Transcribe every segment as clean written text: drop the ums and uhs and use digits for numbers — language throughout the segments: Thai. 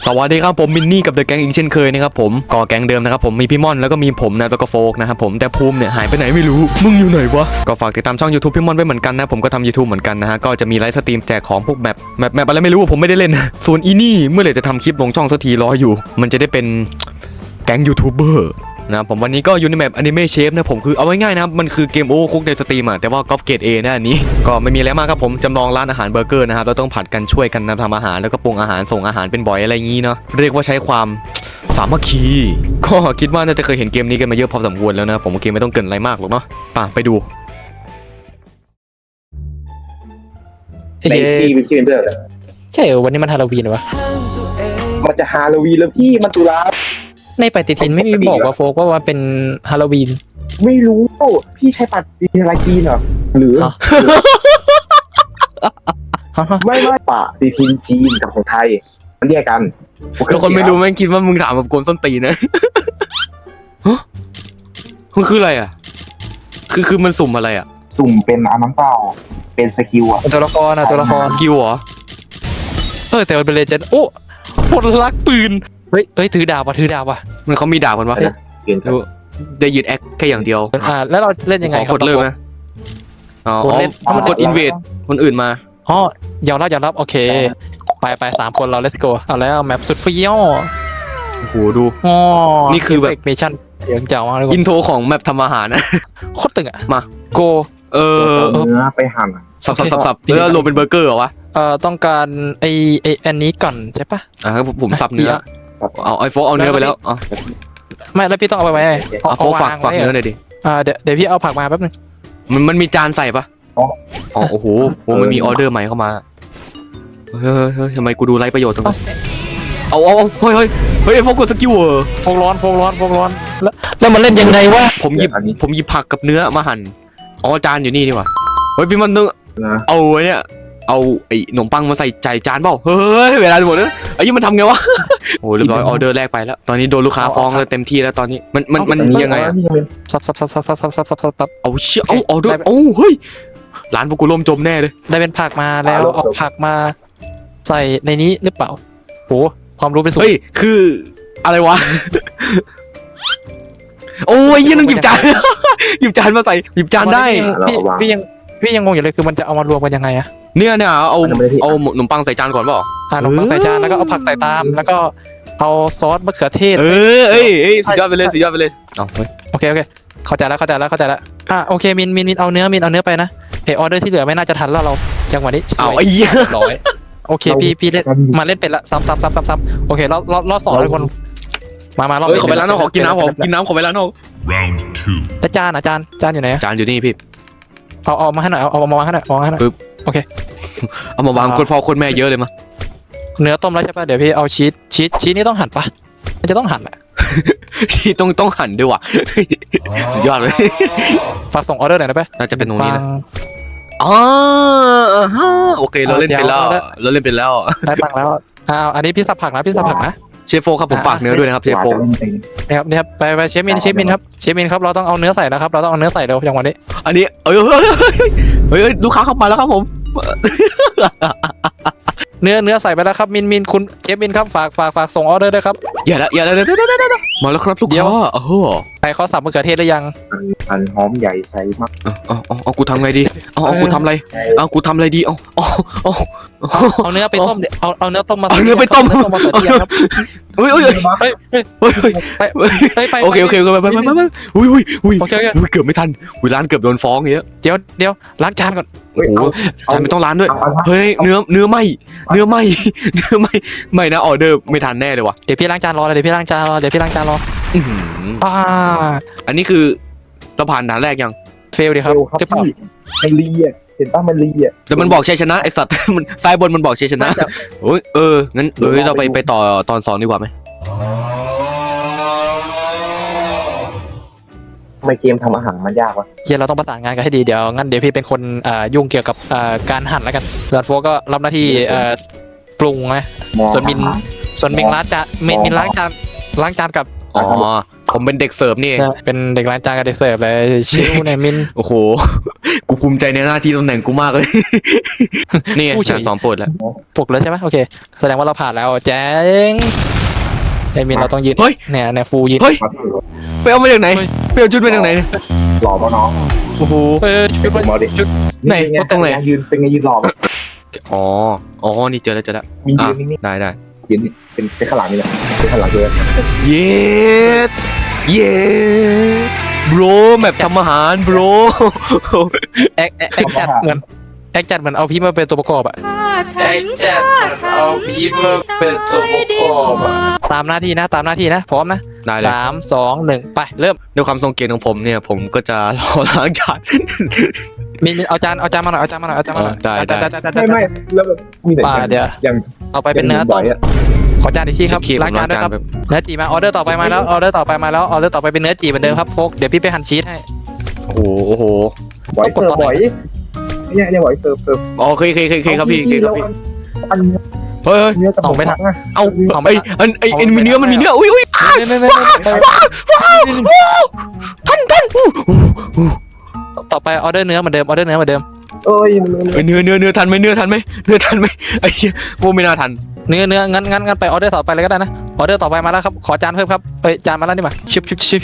สวัสดีครับผมมินนี่กับเดอะแก๊งอีกเช่นเคยนะครับผมก่อแก๊งเดิมนะครับผมมีพี่ม่อนแล้วก็มีผมนะแล้วก็โฟกนะครับผมแต่ภูมิเนี่ยหายไปไหนไม่รู้มึงอยู่ไหนวะก็ฝากติดตามช่อง YouTube พี่ม่อนไว้เหมือนกันนะผมก็ทำ YouTube เหมือนกันนะฮะก็จะมีไลฟ์สตรีมแจกของพวกแมปอะไรไม่รู้ผมไม่ได้เล่นส่วนอีนี่เมื่อไหร่จะทำคลิปลงช่องสักทีรออยู่มันจะได้เป็นแก๊งยูทูบเบอร์นะผมวันนี้ก็อยู่ในแมปอนิเมะเชฟนะผมคือเอาไว้ง่ายนะครับมันคือเกมโอเวอร์คุกในสตรีมอะแต่ว่าก๊อปเกรด A นะอันนี้ก็ไม่มีอะไรมากครับผมจำลองร้านอาหารเบอร์เกอร์นะครับเราต้องผัดกันช่วยกันทำอาหารแล้วก็ปรุงอาหารส่งอาหารเป็นบ่อยอะไรอย่างนี้เนาะเรียกว่าใช้ความสามัคคีก็คิดว่าน่าจะเคยเห็นเกมนี้กันมาเยอะพอสมควรแล้วนะผมเกมไม่ต้องเกินอะไรมากหรอกเนาะไปดูในที่เป็นที่เป็นเรื่องใช่เหรอวันนี้มันฮาโลวีนวะมันจะฮาโลวีนแล้วพี่มันตุลาในปฏิทินไม่มีบอกว่าโฟกว่าเป็นฮาโลวีนไม่รู้พี่ใช้ปฏิทินอะไรจีนเหรอหรือ ไม่ปฏิทินจีนกับของไทยมันแยกกันแล้วคนไม่รู้แม่งคิดว่ามึงถามแบบโกนส้นตีนนะฮะมันคืออะไรอ่ะคือมันสุ่มอะไรอ่ะสุ่มเป็นอันนั้นเปล่าเป็นสกิลอ่ะตัวละครตัวละครกิวเหรอแต่มันเป็นเลเจนด์โอ้คนรักปืนเฮ้ยถือดาบว่ะมันเขามีดาบกันวะเปลี่ยนได้ยืนแอคแค่อย่างเดียวแล้วเราเล่นยังไงขอครับกดเลิกไหมอ๋อกดเล่นมันกดอินเวดคนอื่นมาอ๋อยอมรับโอเคไป3 คนเรา let's go เอาแล้วแมปสุดเฟี้ยวโอ้โหดูอ๋อนี่คือแบบเมชั่นเสียงเจ๋งมากเลยอินโทรของแมปทำอาหารนะโคตรตึงอ่ะมาโกเออเนื้อไปหั่นสับแล้วรวมเป็นเบอร์เกอร์เหรอวะต้องการไออันนี้ก่อนใช่ปะครับผมสับเนื้อเอาไอโฟเอาเนื้อไปแล้วอ๋อไม่แล้วพี่ต้องเอาไปไว้ไงโฟฝากเนื้อหน่อยดิเดี๋ยวพี่เอาผักมาแป๊บนึงมันมีจานใส่ปะอ๋อโอ้โหมันมีออเดอร์ใหม่เข้ามาเฮ้ยทำไมกูดูไร้ประโยชน์ตรงนี้เอาเฮ้ยโฟกดสกิลโฟกร้อนแล้วมันเล่นยังไงวะผมหยิบผักกับเนื้อมาหั่นอ๋อจานอยู่นี่ดีกว่าเฮ้ยพี่มันต้องนะเอาเนี่ยเอาไอ้ขนมปังมาใส่ใจจานเปล่าเฮ้ยเวลาหมดแล้วไอ้ยี่มันทำไงวะโอ้เรียบร้อยออเดอร์แรกไปแล้วตอนนี้โดนลูกค้าฟ้องแล้วเต็มที่แล้วตอนนี้มันยังไงอะซับเอาเชี่ยเอาออเดอร์เฮ้ยร้านพวกกูล่มจมแน่เลยได้เป็นผักมาแล้วเอาผักมาใส่ในนี้หรือเปล่าโหความรู้เป็นสูงเฮ้ยคืออะไรวะโอ้ยยี่ต้องหยิบจาน หยิบจานมาใส่หยิบจานได้พี่ยังงงอยู่เลยคือมันจะเอามารวมกันยังไงอะเนี่ยเอาขนมปังใส่จานก่อนเปล่าขนมปังใส่จานแล้วก็เอาผักใส่ตามแล้วก็เอาซอสมะเขือเทศเอ้ยสุดยอดไปเลยเอาเฮ้ยโอเคเข้าใจแล้วโอเคมินเอาเนื้อไปนะออเดอร์ที่เหลือไม่น่าจะทันแล้วเราจังหวะนี้เอาไอ้เหี้ยร้อยโอเคพี่เล่นมาเล่นเป็นละซ้ำโอเครอบ2ทุกคนมารอบเฮ้ยขอไปร้านนอกขอกินน้ำขอไปร้านนอก Round 2. แล้วจานอยู่ไหนจานอยู่นี่พี่เอามาให้หน่อยเอามาวางให้หน่อยเอามาวางคนพ่อคนแม่เยอะเลยมั้ยเนื้อต้มแล้วใช่ป่ะเดี๋ยวพี่เอาชีสนี่ต้องหั่นปะมันจะต้องหั่นแหละที่ต้องหั่นด้วยว่ะสุดยอดเลยฝากส่งออเดอร์หน่อยได้ปะน่าจะเป็นตรงนี้นะอ๋อโอเคเราเล่นเป็นแล้วได้ตังค์แล้วอันนี้พี่สับผักนะเชฟโฟครับผมฝากเนื้อด้วยนะครับเชฟโฟเนี่ยครับไปเชฟมินครับเราต้องเอาเนื้อใส่นะครับเราต้องเอาเนื้อใส่เร็วอย่างวันนี้อันนี้เฮ้ยลูกค้าเข้ามาแล้วครับผมเนื้อใส่ไปแล้วครับมินคุณเชฟมินครับฝากส่งออเดอร์ด้วยครับอย่ามาแล้วครับลูกค้าใส่ข้อสับมะเขือเทศหรือยังอันหอมใหญ่ใส่มากเอากูทำไงดีกูทำอะไรดีเอาเนื้อไปต้มเดี๋ยวเอาเนื้อต้มมาเอาเนื้อไปต้มมาใส่เทียมครับโอเคไปเกือบไม่ทันร้านเกือบโดนฟ้องอย่างเงี้ยเดี๋ยวล้างจานก่อนโอ้โหจานไม่ต้องร้านด้วยเฮ้ยเนื้อไหมไม่นะออเดอร์ไม่ทันแน่เลยว่ะเดี๋ยวพี่ล้างจานรออันนี้คือเราผ่านด่านแรกยังเฟลดีครับครับพี่มันลีอ่ะเห็นป่ะมันลีอ่ะแต่มันบอกชัยชนะไอสัตว์ มันซ้ายบนมันบอกชัยชนะโอ้ยงั้นเราไปต่อตอน2ดีกว่าไหมทำไมเกมทำอาหารมันยากวะเฮียเราต้องประสานงานกันให้ดีเดี๋ยวพี่เป็นคนยุ่งเกี่ยวกับการหั่นแล้วกันส่วนโฟก็รับหน้าที่ปรุงนะส่วนมินล้างจานกับอ๋อผมเป็นเด็กเสิร์ฟนี่เองเป็นเด็กล้างจานกับเด็กเสิร์ฟเลยชิวเนี่ยมินโอ้โห กูภูมิใจในหน้าที่ตำแหน่งกูมากเลย นี่ไงผู้เฉยชั้น2โปรดแล้วปลุกแล้วใช่ไหมโอเคแสดงว่าเราผ่านแล้วแจ้งไอ้มินเราต้องยืนเฮ้ยเนี่ยฟูยืนเฮ้ยครับไปเอามาจากไหนเฮ้ยไปเอาชุดมาจากไหนเนี่ยหล่อป่ะน้องโอ้โหชุดผมเอาดิชุดไหนเป็ตรงไหนยืนเป็นไงยืนหล่ออ๋อ อ๋อ นี่เจอแล้วมีอ่ะยืนนี่ได้ยืนนี่เป็นข้างหลังนี่แหละเป็นข้างหลังเลยเย็ดเย็ดโบรแบบทำอาหารโบรแอคจัดเหมือนแอคจัดเหมือนเอาพี่มาเป็นตัวประกอบอะฆ่าฉันฆ่าฉันเอาพี่มาเป็นตัวประกอบอะตามหน้าที่นะพร้อมนะได้เลย 3 2 1ไปเริ่มด้วยความทรงเกียรติของผมเนี่ย ผมก็จะรอล้างจานมินเอาจานมาหน่อยเอาจานมาหน่อยได้ไม่แล้วแบบมีแต่ป่าเดี๋ยวยังเอาไปเป็นเนื้อต้มขอจานอีกทีครับเคียบล้างจานด้วยครับแบบเนื้อจีมาออเดอร์ต่อไปมาแล้วออเดอร์ต่อไปเป็นเนื้อจีเหมือนเดิมครับโฟกเดี๋ยวพี่ไปหั่นชีสให้โอ้โหบ่อยเสิร์ฟบ่อยเนี่ยบ่อยเสิร์ฟอ๋อเคยครับพี่ครับพี่อันเฮ้ยเนื้อกับผมนะเอาเอาไม่ไอ้มีเนื้อมันมีเนื้ออุ้ย ท่านต่อไปออเดอร์เนื้อเหมือนเดิมเอ้ยเนื้อทันไหมไอ้เหี้ยโมไม่น่าทันเนื้องั้นไปออเดอร์ต่อไปเลยก็ได้นะออเดอร์ต่อไปมาแล้วครับขอจานเพิ่มครับจานมาแล้วนี่มาชิบ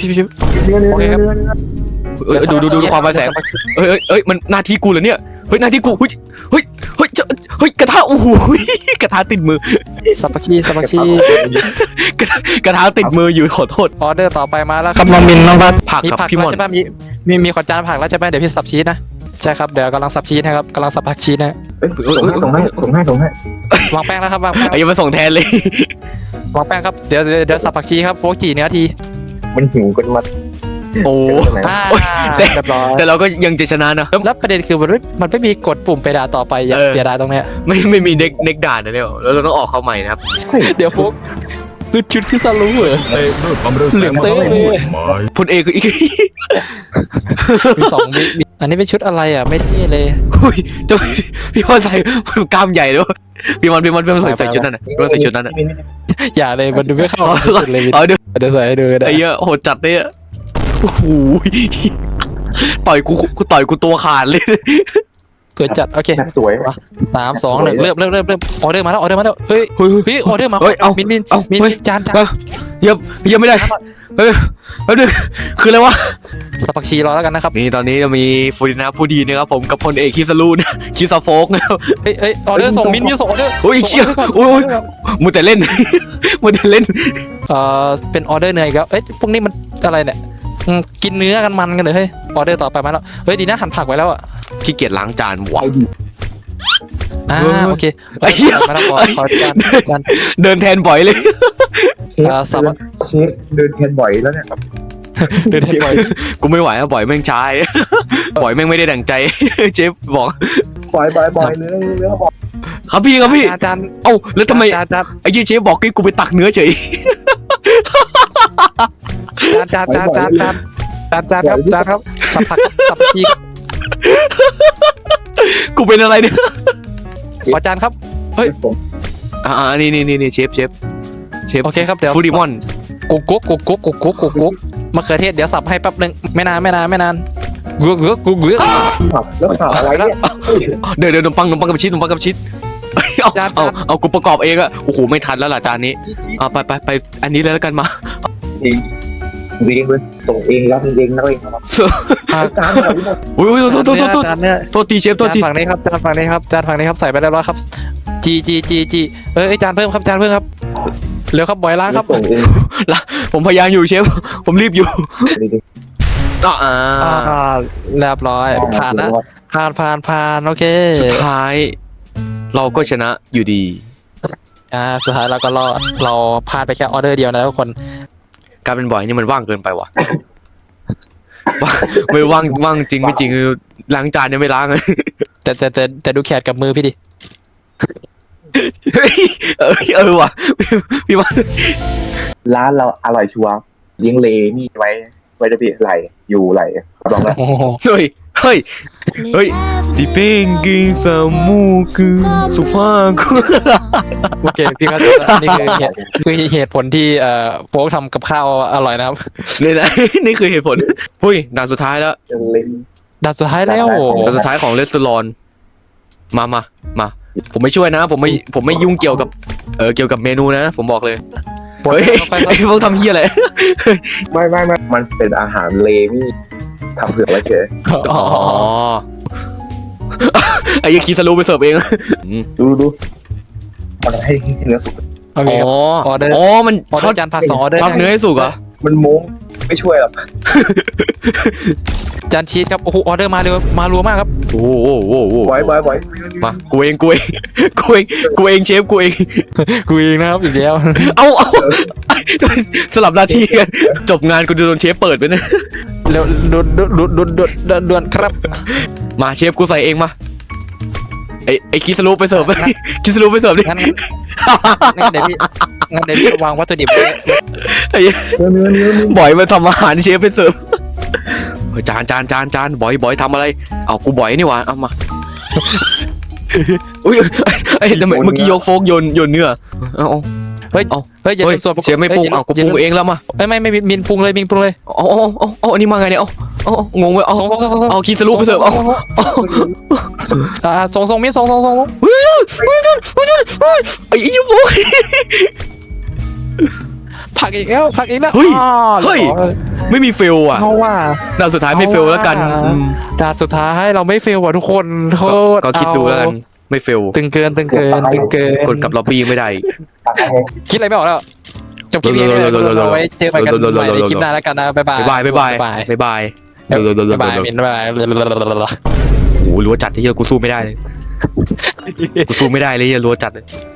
ดูความไฟแสงเอ้ยมันหน้าที่กูเหรอเนี่ยเฮ้ยหน้าที่กูเฮ้ยกระทะโอ้โหกระทะติดมือสับปะชีกระทะติดมืออยู่ขอโทษออเดอร์ต่อไปมาแล้วครับน้องมินน้องพัดผักมีครับผักพี่มแล้วอนใช่ป่ะมีขอจานผักแล้วใช่ป่ะเดี๋ยวพี่สับชีสนะใช่ครับเดี๋ยวกำลังสับชีสนะครับกำลังสับผักชีสนะส่งให้วางแป้งแล้วครับวางแป้งไอ้ยังมาส่งแทนเลยวางแป้งครับเดี๋ยวสับผักชีครับโฟกจีเนื้อทีมันหิวกันมาโอ้เรียบร้อยแต่เราก็ยังจะชนะนะแล้วประเด็นคือมันไม่มีกดปุ่มไปด่าต่อไปอย่าเสียดายตรงเนี้ยไม่มีเน็กด่านนะเนี่ยแล้วเราต้องออกเข้าใหม่นะครับเดี๋ยวโฟกชุดคือซาลูเหรอเหลืองเต้เลยพลเอกคืออีกมี2 วิอันนี้เป็นชุดอะไรอ่ะไม่เท่เลยอุ้ยจะพี่มอนใส่กล้ามใหญ่ด้วยพี่มอนใส่ชุดนั้นนะพี่มอนใส่ชุดนั้นนะอย่าเลยมันดูไม่เข้าสุดเลยเอาเดี๋ยวเดี๋ยวใส่ให้ดูก็ได้ไอ้เหี้ยโหดจัดเนี่ยโอ้โหต่อยกูตัวขาดเลยสวยจัดโอเคสวย 3 2 1เริ่มออเดอร์มาแล้วเฮ้ยเฮ้ยออเดอร์มาเฮ้ยเอามินเฮ้ยจานยังไม่ได้เฮ้ยแป๊บนึงคืออะไรวะสับผักชีรอแล้วกันนะครับนี่ตอนนี้จะมีฟูดินาผู้ดีนะครับผมกับพลเอกคิสลูนคิสโฟกนะครับเฮ้ยออเดอร์ส่งมินส่งออเดอร์โอ้ยเชี่ยโอ้ยมูแต่เล่นเป็นออเดอร์เนื้ออีกแล้วพวกนี้มันอะไรเนี่ยกินเนื้อกันมันกันเลยเฮ้ยออเดอร์ต่อไปมาแล้วเฮ้ยดีนะหั่นผักไว้แล้วอ่ะพี่เกียรล้างจานว่ะโอเคไอ้เหี้ยมาแล้วขอจานเดินแทนบ่อยเลยสับเชฟเดินแทนบ่อยแล้วเนี่ยเดินบ่อยกูไม่ไหวแล้วบ่อยแม่งชาย บ่อยแม่งไม่ได้ดั่งใจ เชฟบอกบ่อยเนื้อบ่อยครับพี่จานเอ้าแล้วทำไมจานไอ้เหี้ยเชฟบอกให้กูไปตักเนื้อเฉยครับสับผักสับชีกูเป็นอะไรเนี่ยขอจานครับนี่เชฟโอเคครับเดี๋ยวฟูดิมอนกุ๊กมะเขือเทศเดี๋ยวสับให้แป๊บนึงไม่นานกุ๊กแล้วข่าวอะไรเนี่ยเดี๋ยวขนมปังกับชีสเอากูประกอบเองอะโอ้โหไม่ทันแล้วล่ะจานนี้เอาไปอันนี้เลยแล้วกันมาเองเลยส่งเองรับเองนะเองจานอะไรหมดอุ้ยโทษจานเนี่ยโทษทีเชฟโทษทีจานฝั่งนี้ครับใส่ไปเรียบร้อยครับจีจานเพิ่มครับเร็วครับบ่อยล้างครับส่งเองผมพยายามอยู่เชฟผมรีบอยู่เรียบร้อยผ่านนะผ่านโอเคสุดท้าย เราก็ชนะอยู่ดีสุดท้ายเราก็รอดเราพลาดไปแค่ออเดอร์เดียวนะทุกคนการเป็นบ่อยนี่มันว่างเกินไปว่ะ ไม่ว่างจริงไม่จริงล้างจานยังไม่ล้างเลยแต่ดูแขนกับมือพี่ดิว่ะพี่ว่าร้านเราอร่อยชัวร์เลี้ยงเลนี่ไว้จะพี่ไหลอยู่ไหลลองแล้วโอ้โหเฮ้ยเฮ้ยเฮ้ยดิเป้งกินสมูคือสุภาพกูโอเคพี่เข้าใจแล้วนี่คือเหตุผลที่โฟกทำกับข้าวอร่อยนะครับนี่นะ นี่คือเหตุผลหุ้ยด่านสุดท้ายแล้วเล่นด่านสุดท้ายแล้วด่านสุดท้ายของรีสอร์ทมาผมไม่ช่วยนะผมไม่ยุ่งเกี่ยวกับเมนูนะผมบอกเลยเฮ้ยไอ้พวกทำเฮียอะไรไม่มันเป็นอาหารเลมี่ทำเผื่อไว้เฉยอ๋อไอ้ยังคีสลูไปเสิร์ฟเองดูมันให้เนื้อสุกโอเคครับ ออเดอร์อ๋อมันออเดทออดร์จานผัก2ออเดอร์ทอดเนื้อให้สุกเหรอมันโม้งไม่ช่วยหรอกจานชีสครับโอ้โหออเดอร์มาเร็วมารัวมากครับโอ้โหไว้มากูเองเชฟกูเองกูเองนะครับอีกแล้วเอาสลับหน้าที่กันจบงานกูโดนเชฟเปิดไปนะเร็วด่วนครับมาเชฟกูใส่เองมาไอ้คิสลูไปเสิร์ฟ คิสลูไปเสิร์ฟดิงั้นเดี๋ยวพี่วางวัตถุดิบไว้ไอ้เนื้อบอยมาทำอาหารเชฟไปเสิร์ฟเฮ้ยจานบอยทำอะไรเอากูบอยนี่หว่าเอามาอุ้ยไอ้ทำไมเมื่อกี้ยกโฟกโยนเนื้อเอาเฮ้ยอย่าเฮ้ยส่วนประกอบเชฟไม่ปรุงเอากูปรุงเองแล้วมาไม่มินปรุงเลยเอาอันนี้มาไงเนี่ยเอางงเว้ยเอาส่งเอาคิสลูไปเสิร์ฟเอาส่งมินส่งไอ้ยูโฟผักอีกแล้วเฮ้ย ไม่มีเฟลอ่ะเพราะว่าด่านสุดท้ายไม่เฟลแล้วกันด่านสุดท้ายเราไม่เฟลว่ะทุกคนโคตรก็คิดดูแล้วกันไม่เฟลตึงเกินกดกับล็อบบี้ไม่ได้คิดอะไรไม่ออกแล้วจบคลิปนี้เราไว้เจอกันใหม่ในคลิปหน้าแล้วกันนะบ๊ายบายบ๊ายบายบ๊ายบายมินโอ้โหรัวจัดที่เหี้ยกูสู้ไม่ได้เลยรัวจัดเลย